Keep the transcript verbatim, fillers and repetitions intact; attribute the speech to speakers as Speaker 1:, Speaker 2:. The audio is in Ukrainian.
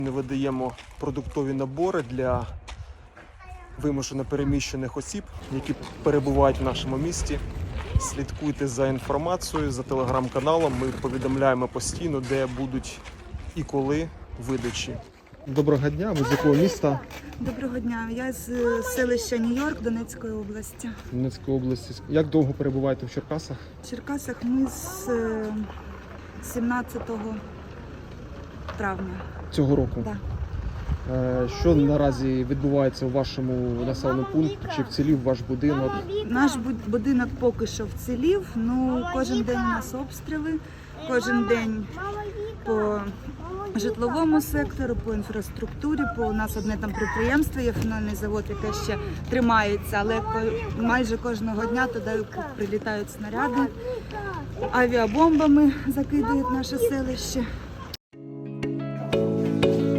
Speaker 1: Ми видаємо продуктові набори для вимушено переміщених осіб, які перебувають в нашому місті. Слідкуйте за інформацією, за телеграм-каналом. Ми повідомляємо постійно, де будуть і коли видачі. Доброго дня, ви з якого міста?
Speaker 2: Доброго дня, я з селища Нью-Йорк Донецької області.
Speaker 1: Донецької області. Як довго перебуваєте в Черкасах?
Speaker 2: В Черкасах ми з е, сімнадцятого травня.
Speaker 1: Цього року?
Speaker 2: Да.
Speaker 1: Е, Що наразі відбувається у вашому населеному пункті? Чи вцілів ваш будинок?
Speaker 2: Наш буд- будинок поки що вцілів, ну кожен день у нас обстріли, кожен день по житловому сектору, по інфраструктурі, по у нас одне там підприємство, є фінальний завод, яке ще тримається, але ко- майже кожного дня туди прилітають снаряди, авіабомбами закидують наше селище.